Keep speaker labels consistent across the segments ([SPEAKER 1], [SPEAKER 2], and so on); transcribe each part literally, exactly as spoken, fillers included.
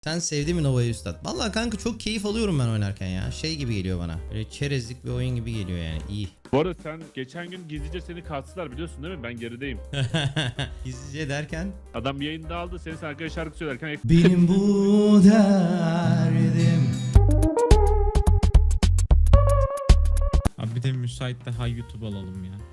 [SPEAKER 1] Sen sevdin mi Nova'yı üstad? Vallahi kanka çok keyif alıyorum ben oynarken ya. Şey gibi geliyor bana. Böyle çerezlik bir oyun gibi geliyor yani. İyi.
[SPEAKER 2] Bu arada sen geçen gün gizlice seni kastılar biliyorsun değil mi? Ben gerideyim.
[SPEAKER 1] Gizlice derken?
[SPEAKER 2] Adam yayında aldı seni sen arkadaş şarkı söylerken
[SPEAKER 1] Benim bu derdim.
[SPEAKER 3] Abi bir de müsait daha YouTube alalım ya.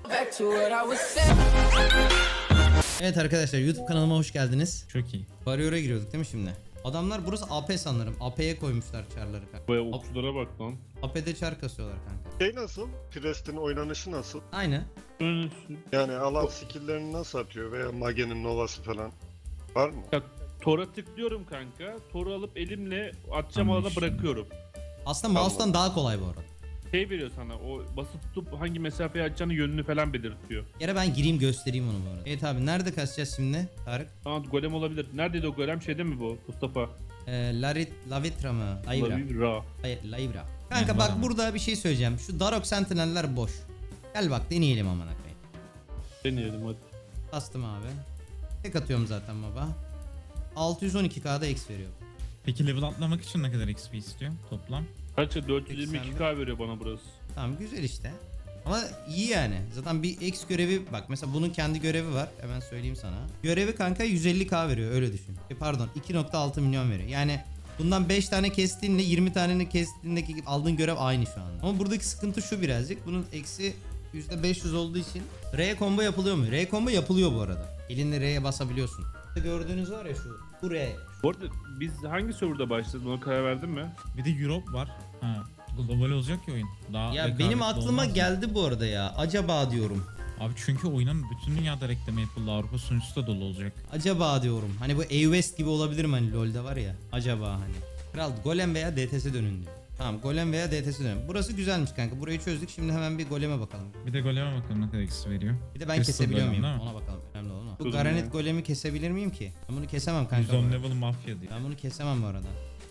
[SPEAKER 1] Evet arkadaşlar YouTube kanalıma hoş geldiniz.
[SPEAKER 3] Çok iyi.
[SPEAKER 1] Warrior'a giriyorduk değil mi şimdi? Adamlar burası A P sanırım. A P'ye koymuşlar çarları kanka.
[SPEAKER 2] Baya okçulara bak lan.
[SPEAKER 1] A P'de çar kasıyorlar kanka.
[SPEAKER 4] Şey nasıl? Priest'in oynanışı nasıl?
[SPEAKER 1] Aynı.
[SPEAKER 4] Yani alan skill'lerini nasıl atıyor veya Mage'nin Nova'sı falan var mı?
[SPEAKER 2] Ya, Tora tıklıyorum kanka. Toru alıp elimle atacağım alana
[SPEAKER 3] Anlaşıldı.
[SPEAKER 2] bırakıyorum.
[SPEAKER 1] Aslında mouse'tan daha kolay bu arada.
[SPEAKER 2] Şey veriyor sana o basıp tutup hangi mesafeye atacağını yönünü falan belirtiyor.
[SPEAKER 1] Yere ben gireyim göstereyim onu bu arada. Evet abi nerede kasacağız şimdi Tarık?
[SPEAKER 2] Aa golem olabilir. Neredeydi o golem? Şeyde mi bu Mustafa?
[SPEAKER 1] Ee, Larit, Lavitra mı? Layvra.
[SPEAKER 2] Lavivra.
[SPEAKER 1] Hayır, Layvra. Kanka
[SPEAKER 3] Yani
[SPEAKER 1] bak
[SPEAKER 3] var ama.
[SPEAKER 1] burada bir şey söyleyeceğim. Şu Darok Sentinel'ler boş. Gel bak deneyelim amına koyayım.
[SPEAKER 2] Deneyelim hadi.
[SPEAKER 1] Bastım abi. Tek atıyorum zaten baba. altı yüz on iki K'da X veriyor.
[SPEAKER 3] Peki level atlamak için ne kadar X P istiyor toplam?
[SPEAKER 2] Kaça dört yüz yirmi iki K veriyor bana burası.
[SPEAKER 1] Tamam güzel işte. Ama iyi yani. Zaten bir X görevi bak mesela bunun kendi görevi var. Hemen söyleyeyim sana. Görevi kanka yüz elli K veriyor öyle düşün. E, pardon iki nokta altı milyon veriyor. Yani bundan beş tane kestiğinle yirmi tanenin kestiğindeki aldığın görev aynı şu an. Ama buradaki sıkıntı şu birazcık. Bunun eksi yüzde beş yüz olduğu için R combo yapılıyor mu? R combo yapılıyor bu arada. Elinde R'ye basabiliyorsun. Gördüğünüz var ya şu. Bu R.
[SPEAKER 2] Bu arada biz hangi serverda başladık ona karar verdin mi?
[SPEAKER 3] Bir de Europe var. Ha, global olacak ya oyun. Daha
[SPEAKER 1] Ya
[SPEAKER 3] rekabetli
[SPEAKER 1] benim aklıma
[SPEAKER 3] olmaz mı?
[SPEAKER 1] geldi bu arada ya. Acaba diyorum.
[SPEAKER 3] Abi çünkü oyunun bütün dünyada reklamı yapıldı. Avrupa sunucusu da dolu olacak.
[SPEAKER 1] Acaba diyorum. Hani bu A-West gibi olabilir mi hani LoL'de var ya. Acaba hani. Kral Golem veya D T S dönün diyor. Tamam Golem veya D T S dönün. Burası güzelmiş kanka. Burayı çözdük. Şimdi hemen bir Golem'e bakalım.
[SPEAKER 3] Bir de goleme bakalım ne kadar X P veriyor.
[SPEAKER 1] Bir de ben
[SPEAKER 3] Crystal
[SPEAKER 1] kesebiliyor
[SPEAKER 3] Golem,
[SPEAKER 1] muyum?
[SPEAKER 3] değil mi?
[SPEAKER 1] Ona bakalım. Önemli olan o. Bu
[SPEAKER 2] Kızım
[SPEAKER 1] Garanet
[SPEAKER 2] ya.
[SPEAKER 1] Golem'i kesebilir miyim ki? Ben bunu kesemem kanka.
[SPEAKER 3] yüz
[SPEAKER 1] bu
[SPEAKER 3] on
[SPEAKER 1] arada.
[SPEAKER 3] level mafya diyor.
[SPEAKER 1] Ben bunu kesemem bu arada.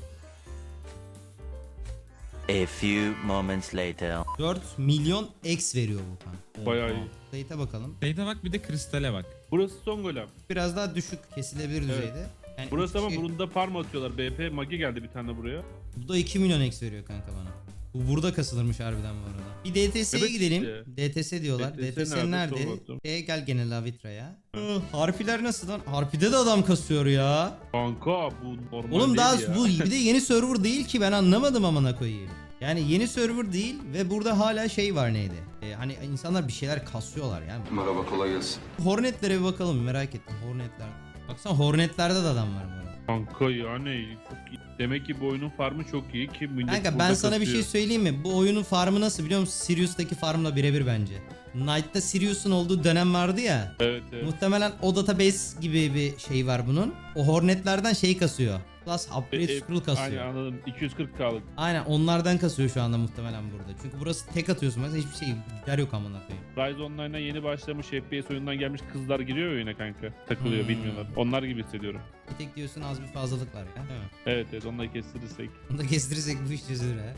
[SPEAKER 5] A few moments later.
[SPEAKER 1] dört milyon X veriyor bu kanka.
[SPEAKER 2] Bayağı iyi.
[SPEAKER 1] Slate'e bakalım.
[SPEAKER 3] Şeyde bak bir de kristale bak.
[SPEAKER 2] Burası son golem.
[SPEAKER 1] Biraz daha düşük kesilebilir
[SPEAKER 2] Evet.
[SPEAKER 1] düzeyde. Yani
[SPEAKER 2] Burası ama
[SPEAKER 1] şey-
[SPEAKER 2] bunda farm atıyorlar. B P Magi geldi bir tane buraya.
[SPEAKER 1] Bu da iki milyon X veriyor kanka bana. Bu burada kasılırmış harbiden bu arada. Bir D T S'ye
[SPEAKER 2] Evet
[SPEAKER 1] gidelim.
[SPEAKER 2] işte.
[SPEAKER 1] D T S diyorlar.
[SPEAKER 2] D T S
[SPEAKER 1] D T S
[SPEAKER 2] nerede?
[SPEAKER 1] nerede?
[SPEAKER 2] Sormadım.
[SPEAKER 1] Şeye gel gene Lavitra'ya. Hı, Harpiler nasıl lan? Harpide de adam kasıyor ya.
[SPEAKER 2] Kanka bu normal
[SPEAKER 1] Oğlum
[SPEAKER 2] değil
[SPEAKER 1] daha
[SPEAKER 2] ya.
[SPEAKER 1] bu bir de yeni server değil ki ben anlamadım amına koyayım. Yani yeni server değil ve burada hala şey var neydi? Ee, hani insanlar bir şeyler kasıyorlar yani.
[SPEAKER 6] Merhaba, kolay gelsin.
[SPEAKER 1] Hornetlere bir bakalım merak ettim. Hornetler. Baksana Hornetlerde de adam var bu arada.
[SPEAKER 2] Kanka yani çok iyi. Demek ki bu oyunun farmı çok iyi ki millet
[SPEAKER 1] Kanka ben
[SPEAKER 2] burada
[SPEAKER 1] sana bir şey
[SPEAKER 2] kasıyor.
[SPEAKER 1] söyleyeyim mi? Bu oyunun farmı nasıl biliyor musun? Sirius'taki farmla birebir bence. Knight'ta Sirius'un olduğu dönem vardı ya.
[SPEAKER 2] Evet evet.
[SPEAKER 1] Muhtemelen o database gibi bir şey var bunun. O hornetlerden şey kasıyor. Plus upgrade
[SPEAKER 2] E, e,
[SPEAKER 1] scroll kasıyor.
[SPEAKER 2] Aynen anladım. iki yüz kırk K'lık.
[SPEAKER 1] Aynen onlardan kasıyor şu anda muhtemelen burada. Çünkü burası tek atıyorsun mesela hiçbir şey gider yok amına koyayım.
[SPEAKER 2] Rise Online'a yeni başlamış F P S oyundan gelmiş kızlar giriyor ya oyuna kanka. Takılıyor
[SPEAKER 1] Hmm.
[SPEAKER 2] bilmiyorlar. Onlar gibi hissediyorum.
[SPEAKER 1] Bir tek diyorsun az bir fazlalık var ya. Değil mi?
[SPEAKER 2] Evet evet onları kestirirsek.
[SPEAKER 1] Onu da kestirirsek bu iş çözülür ha.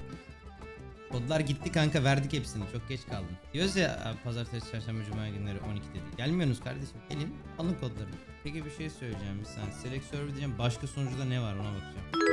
[SPEAKER 1] Kodlar gitti kanka verdik hepsini çok geç kaldın. Diyoruz ya abi, pazartesi, çarşamba, cuma günleri on iki dedi. Gelmiyorsunuz kardeşim gelin alın kodlarını. Peki bir şey söyleyeceğim bir saniye. Select server diyeceğim başka sunucuda ne var ona bakacağım.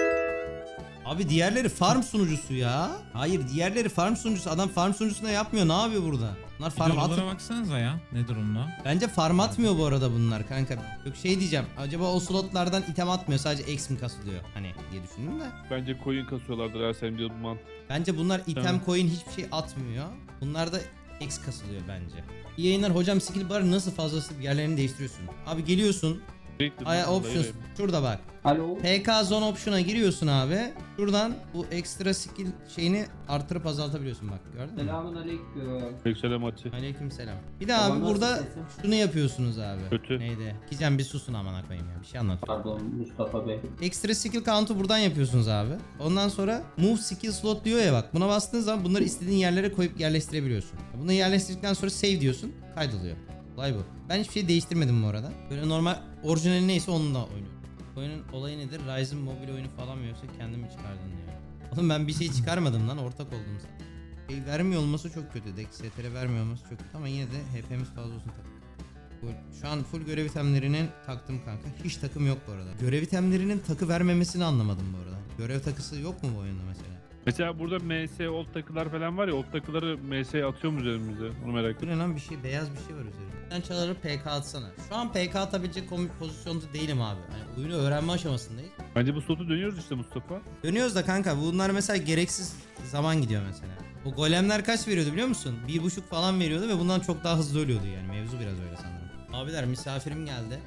[SPEAKER 1] Abi diğerleri farm sunucusu ya. Hayır diğerleri farm sunucusu. Adam farm sunucusunda yapmıyor. Ne yapıyor burada? Bunlar farm
[SPEAKER 3] Farm
[SPEAKER 1] at.
[SPEAKER 3] baksanıza ya ne durumda.
[SPEAKER 1] Bence farm atmıyor bu arada bunlar kanka. Yok şey diyeceğim. Acaba o slotlardan item atmıyor. Sadece X mi kasılıyor? Hani diye düşündüm de.
[SPEAKER 2] Bence coin kasıyorlardır her sen diyor bu mant.
[SPEAKER 1] Bence bunlar item
[SPEAKER 2] Tamam.
[SPEAKER 1] coin hiçbir şey atmıyor. Bunlar da X kasılıyor bence. İyi yayınlar hocam skill bar nasıl fazlası yerlerini değiştiriyorsun. Abi geliyorsun. Ay options şurada bak.
[SPEAKER 7] Alo.
[SPEAKER 1] P K zone option'a giriyorsun abi. Şuradan bu ekstra skill şeyini artırıp azaltabiliyorsun bak gördün mü?
[SPEAKER 7] Selamun aleyküm.
[SPEAKER 2] Yükselen maçı.
[SPEAKER 1] Aleykümselam. Bir de
[SPEAKER 7] Baba
[SPEAKER 1] abi
[SPEAKER 7] nasıl
[SPEAKER 1] burada
[SPEAKER 7] sesin?
[SPEAKER 1] şunu yapıyorsunuz abi.
[SPEAKER 2] Kötü.
[SPEAKER 1] Neydi? Gizem bir susun amına koyayım ya. Bir şey anlat.
[SPEAKER 7] Pardon Mustafa Bey.
[SPEAKER 1] Ekstra skill count'u buradan yapıyorsunuz abi. Ondan sonra move skill slot diyor ya bak. Buna bastığın zaman bunları istediğin yerlere koyup yerleştirebiliyorsun. Bunları yerleştirdikten sonra save diyorsun. Kaydoluyor. Olay bu. Ben hiçbir şey değiştirmedim bu arada. Böyle normal orijinali neyse onunla oynuyorum. Oyunun olayı nedir? Ryzen mobil oyunu falan mı yoksa kendin mi çıkardın diyor. Oğlum ben bir şey çıkarmadım lan ortak oldum sana. Şey vermiyor olması çok kötü. Dex S T R vermiyor olması çok kötü ama yine de H P'miz fazla olsun tabii. Full- Şu an full görev itemlerinin taktım kanka. Hiç takım yok bu arada. Görev itemlerinin takı vermemesini anlamadım bu arada. Görev takısı yok mu bu oyunda mesela?
[SPEAKER 2] Mesela burada M S old takılar falan var ya, old takıları M S'ye atıyor mu üzerimize? Onu merak
[SPEAKER 1] Bu
[SPEAKER 2] ediyorum.
[SPEAKER 1] ne lan, bir şey, beyaz bir şey var üzerinde. Sen çaları P K atsana. Şu an P K atabilecek komik pozisyonda değilim abi. Hani oyunu öğrenme aşamasındayız.
[SPEAKER 2] Bence bu slotu dönüyoruz işte Mustafa.
[SPEAKER 1] Dönüyoruz da kanka, bunlar mesela gereksiz zaman gidiyor mesela. O golemler kaç veriyordu biliyor musun? Bir buçuk falan veriyordu ve bundan çok daha hızlı ölüyordu yani. Mevzu biraz öyle sanırım. Abiler, misafirim geldi.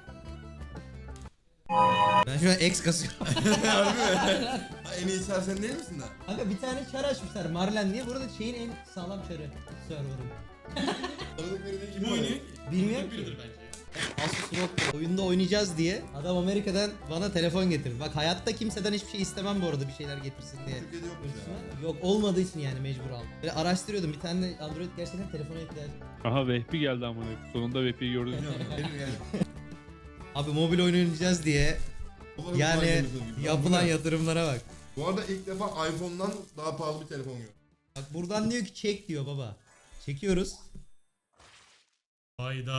[SPEAKER 1] Ben şu an X kasıyorum.
[SPEAKER 6] Harbi mi? Ha, en iyi çar sen değil misin lan?
[SPEAKER 1] Kanka bir tane çar açmışlar Marlen diye. Burada şeyin en sağlam çarı. Server'ın.
[SPEAKER 6] Kim oynuyor?
[SPEAKER 1] Bilmiyorum ki. Asus R O G oyunda oynayacağız diye adam Amerika'dan bana telefon getirdi. Bak hayatta kimseden hiçbir şey istemem bu arada, bir şeyler getirsin diye.
[SPEAKER 6] Türkiye'de yokmuş ya.
[SPEAKER 1] Yok, olmadığı için yani mecbur aldım. Böyle araştırıyordum, bir tane de Android gerçekten telefona ekler.
[SPEAKER 2] Aha Vehbi geldi amına. Sonunda Vehbi'yi gördük.
[SPEAKER 6] Benim yani.
[SPEAKER 1] Abi mobil oyun oynayacağız diye yani yapılan yatırımlara bak.
[SPEAKER 6] Bu arada ilk defa iPhone'dan daha pahalı bir telefon gördüm.
[SPEAKER 1] Bak buradan diyor ki çek diyor baba. Çekiyoruz.
[SPEAKER 8] Hayda.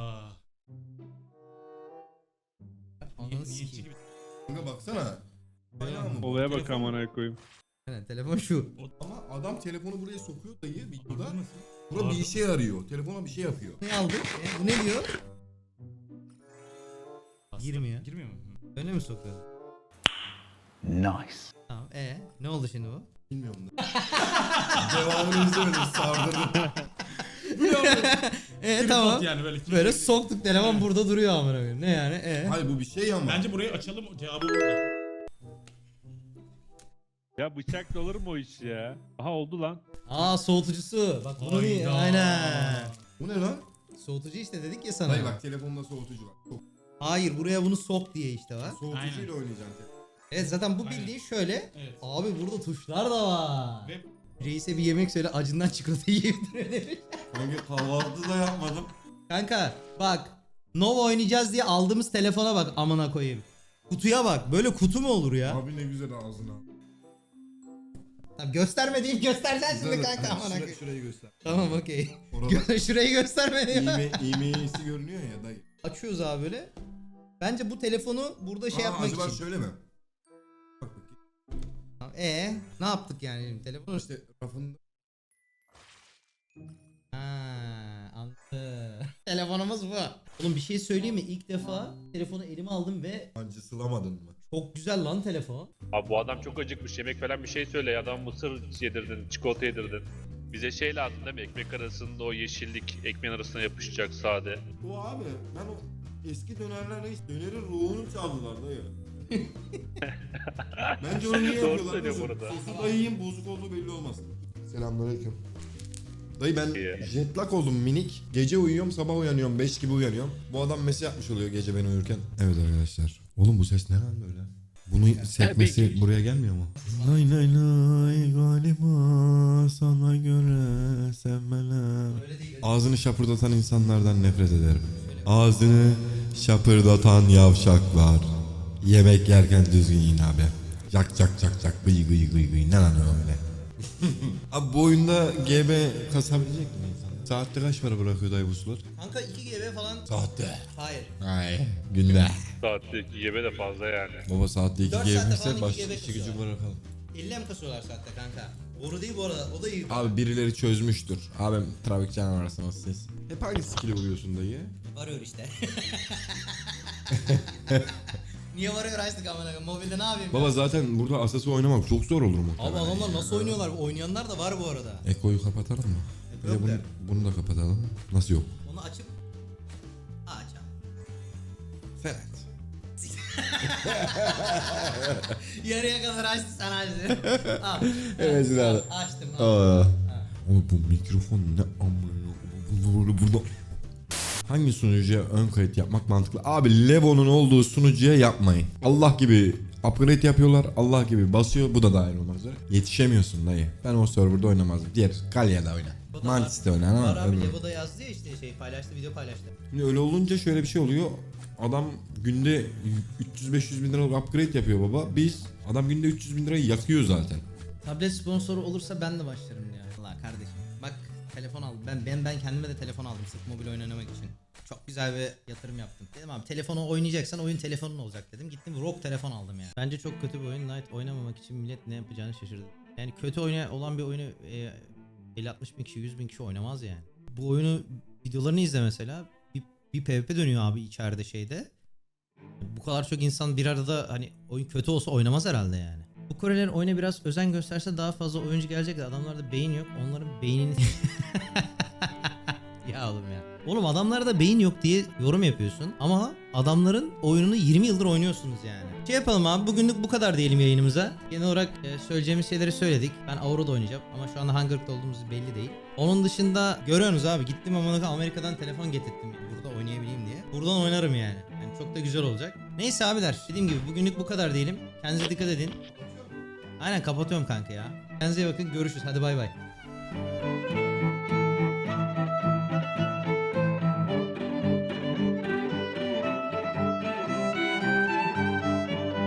[SPEAKER 1] Ananı sikeyim.
[SPEAKER 6] Kanka baksana. Bayağı mı? bu?
[SPEAKER 2] Olaya bak amına koyayım.
[SPEAKER 1] Yani telefon şu.
[SPEAKER 6] Ama adam telefonu buraya sokuyor dayı videoda.
[SPEAKER 8] Nasıl?
[SPEAKER 6] Bura bir işe yarıyor. Telefona bir şey yapıyor.
[SPEAKER 1] Ne aldık? E, bu ne diyor? Girmiyor.
[SPEAKER 8] Girmiyor mu?
[SPEAKER 1] Öyle mi sokuyorsun?
[SPEAKER 5] Nice.
[SPEAKER 1] Tamam. E ne oldu şimdi bu?
[SPEAKER 6] Bilmiyorum da. Devamını izlemedim, sardırdım.
[SPEAKER 1] E tamam.
[SPEAKER 8] Yani böyle,
[SPEAKER 1] Böyle soktuk, telefon burada duruyor amına koyayım. Ne yani? E.
[SPEAKER 6] Hayır bu bir şey ama.
[SPEAKER 8] Bence burayı açalım, cevabı burada.
[SPEAKER 2] Ya bıçakla olur mu o iş ya? Aha oldu lan.
[SPEAKER 1] Aa, soğutucusu. Bak bunu değil.
[SPEAKER 8] Hayda.
[SPEAKER 6] Aynen.
[SPEAKER 1] Aynen.
[SPEAKER 6] Bu ne lan?
[SPEAKER 1] Soğutucu işte dedik ya sana.
[SPEAKER 6] Hayır bak telefonda soğutucu var. Çok
[SPEAKER 1] Hayır, buraya bunu sok diye işte var.
[SPEAKER 6] soğutucuyla oynayacaksın telefon.
[SPEAKER 1] Evet, zaten bu
[SPEAKER 8] Aynen.
[SPEAKER 1] bildiğin şöyle.
[SPEAKER 8] Evet.
[SPEAKER 1] Abi burada tuşlar da var.
[SPEAKER 8] Ve
[SPEAKER 1] Reis'e bir yemek söyle, acından çikolata yiyebilir demiş.
[SPEAKER 6] Kanka kahvaltı da yapmadım.
[SPEAKER 1] Kanka bak, Nova oynayacağız diye aldığımız telefona bak amına koyayım. Kutuya bak, böyle kutu mu olur ya?
[SPEAKER 6] Abi ne güzel ağzına.
[SPEAKER 1] Tamam, gösterme deyip göstereceksin şimdi
[SPEAKER 6] Güzel.
[SPEAKER 1] kanka amına
[SPEAKER 6] Şura-
[SPEAKER 1] koyayım.
[SPEAKER 6] Şurayı göster.
[SPEAKER 1] Tamam, okey.
[SPEAKER 6] Orada
[SPEAKER 1] Şurayı gösterme diyor.
[SPEAKER 6] iğme, iğmeyesi görünüyor ya dayı.
[SPEAKER 1] Açıyoruz abi böyle. Bence bu telefonu burada şey
[SPEAKER 6] Aa,
[SPEAKER 1] yapmak
[SPEAKER 6] acaba
[SPEAKER 1] için.
[SPEAKER 6] şöyle mi? Bak bakayım.
[SPEAKER 1] Tamam, ee, ne yaptık yani şimdi telefonu?
[SPEAKER 6] İşte rafında.
[SPEAKER 1] Ha, anladım. Telefonumuz bu. Oğlum bir şey söyleyeyim mi? İlk defa telefonu elime aldım ve
[SPEAKER 6] Hancı sılamadın mı?
[SPEAKER 1] çok güzel lan telefon.
[SPEAKER 2] Abi bu adam çok acıkmış, yemek falan bir şey söyle ya. Adam mısır yedirdin, çikolata yedirdin. Bize şey lazım değil mi? Ekmek arasında o yeşillik ekmeğin arasına yapışacak sade.
[SPEAKER 6] Bu abi ben o eski dönerlerde hiç dönerin ruhunu çaldılar dayı. Bence onu niye
[SPEAKER 2] Doğru
[SPEAKER 6] yapıyorlar?
[SPEAKER 2] söylüyor bu
[SPEAKER 6] Nasıl?
[SPEAKER 2] arada.
[SPEAKER 6] Sosu da yiyeyim, bozuk olduğu belli olmaz. Selamünaleyküm. Dayı ben
[SPEAKER 2] İyi.
[SPEAKER 6] jet lag oldum minik. Gece uyuyorum, sabah uyanıyorum, beş gibi uyanıyorum. Bu adam mesaj yapmış oluyor gece ben uyurken. Evet arkadaşlar. Oğlum bu ses ne lan böyle? Bunu sekmesi buraya gelmiyor mu? Nay nay nay galiba sana göre sevmeler. Ağzını şapırdatan insanlardan nefret ederim. Ağzını şapırdatan yavşaklar. Yemek yerken düzgün yiyin abi. Cak cak cak cak gıy gıy gıy gıy. Ne lan o öyle? Abi bu oyunda G B kasabilecek mi insan? Saatte kaç para bırakıyor dayı bu sular?
[SPEAKER 1] Kanka iki G B falan.
[SPEAKER 6] Saatte.
[SPEAKER 1] Hayır.
[SPEAKER 6] Ay günde.
[SPEAKER 2] Saatte yeme de fazla yani.
[SPEAKER 6] Baba saatte iki
[SPEAKER 1] Dört
[SPEAKER 6] G
[SPEAKER 1] saatte
[SPEAKER 6] B
[SPEAKER 1] falan
[SPEAKER 6] ise
[SPEAKER 1] iki
[SPEAKER 6] başka
[SPEAKER 1] G B
[SPEAKER 6] işi gücü
[SPEAKER 1] kasıyorlar.
[SPEAKER 6] bırakalım.
[SPEAKER 1] elli mi kasıyorlar saatte kanka? Boru değil bu arada, o da iyi.
[SPEAKER 6] Abi birileri çözmüştür. Abim trafik canavarsınız siz. Hep hangi skill'e vuruyorsun dayı?
[SPEAKER 1] Varıyor işte. Niye varıyor açtık amına koyayım? Mobilde ne yapayım?
[SPEAKER 6] Baba zaten burada asası oynamak çok zor olur mu?
[SPEAKER 1] Abi adamlar nasıl oynuyorlar? Oynayanlar da var bu arada.
[SPEAKER 6] Eko'yu kapatalım mı? Bir de
[SPEAKER 1] yok
[SPEAKER 6] bunu,
[SPEAKER 1] der.
[SPEAKER 6] bunu da kapatalım. Nasıl yok?
[SPEAKER 1] Onu açıp aç abi.
[SPEAKER 6] Sen aç.
[SPEAKER 1] Yarıya kadar açtı, sen açtın. Al.
[SPEAKER 6] Evet,
[SPEAKER 1] Al,
[SPEAKER 6] abi.
[SPEAKER 1] açtım.
[SPEAKER 6] Aa.
[SPEAKER 1] Al.
[SPEAKER 6] Ama bu mikrofon ne amına burada burada. Hangi sunucuya ön kayıt yapmak mantıklı? Abi Levo'nun olduğu sunucuya yapmayın. Allah gibi upgrade yapıyorlar. Allah gibi basıyor. Bu da dahil olmak üzere. Yetişemiyorsun dayı. Ben o serverda oynamazdım. Diğer Galya'da oyna.
[SPEAKER 1] Bu da
[SPEAKER 6] Mantis'te oyna ama.
[SPEAKER 1] Var abi,
[SPEAKER 6] öbür-
[SPEAKER 1] Levo'da yazdı ya işte şey paylaştı, video paylaştı.
[SPEAKER 6] Şimdi öyle olunca şöyle bir şey oluyor. Adam günde üç yüz beş yüz bin liralık upgrade yapıyor baba. Biz adam günde üç yüz bin lirayı yakıyor zaten.
[SPEAKER 1] Tablet sponsoru olursa ben de başlarım ya. Allah kardeşim. Bak telefon al. Ben ben ben kendim kendime de telefon aldım sırf mobil oyun oynamak için. Çok güzel bir yatırım yaptım. Dedim abi telefonu oynayacaksan oyun telefonun olacak dedim. Gittim R O G telefon aldım yani. Bence çok kötü bir oyun. Night oynamamak için millet ne yapacağını şaşırdı. Yani kötü oyna olan bir oyunu e, elli altmış bin kişi yüz bin kişi oynamaz yani. Bu oyunu videolarını izle mesela. Bir, bir PvP dönüyor abi içeride şeyde. Bu kadar çok insan bir arada hani oyun kötü olsa oynamaz herhalde yani. Bu Korelilerin oyuna biraz özen gösterse daha fazla oyuncu gelecek de adamlarda beyin yok. Onların beynini... ya oğlum ya. Oğlum adamlarda beyin yok diye yorum yapıyorsun ama adamların oyununu yirmi yıldır oynuyorsunuz yani. Şey yapalım abi bugünlük bu kadar diyelim yayınımıza. Genel olarak e, söyleyeceğimiz şeyleri söyledik. Ben Aurora'da oynayacağım ama şu anda hangi ırkta olduğumuz belli değil. Onun dışında görüyorsunuz abi gittim ama Amerika'dan telefon getirttim burada oynayabileyim diye. Buradan oynarım yani. Yani çok da güzel olacak. Neyse abiler dediğim gibi bugünlük bu kadar diyelim. Kendinize dikkat edin. Aynen kapatıyorum kanka ya. Kendinize iyi bakın görüşürüz hadi bay bay.